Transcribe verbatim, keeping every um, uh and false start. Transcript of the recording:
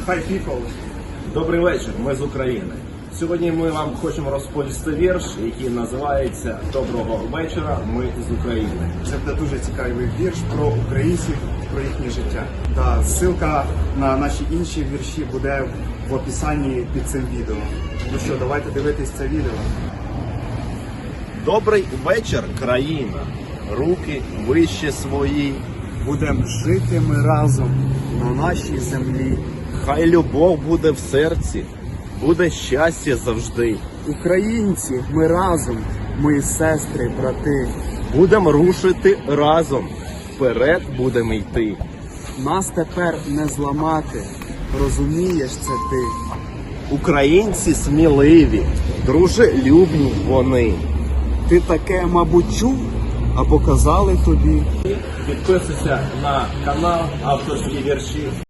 Hi people! Добрий вечір, ми з України. Сьогодні ми вам хочемо розповісти вірш, який називається «Доброго вечора, ми з України». Це буде дуже цікавий вірш про українців, про їхнє життя. Та ссылка на наші інші вірші буде в описанні під цим відео. Ну що, давайте дивитись це відео. Добрий вечір, країна, руки вище свої. Будемо жити ми разом на нашій землі. Хай любов буде в серці, буде щастя завжди. Українці, ми разом, ми сестри, брати. Будемо рушити разом, вперед будемо йти. Нас тепер не зламати, розумієш це ти. Українці сміливі, дружелюбні вони. Ти таке, мабуть, чув, а показали тобі. Підписуйся на канал Авторські вірші.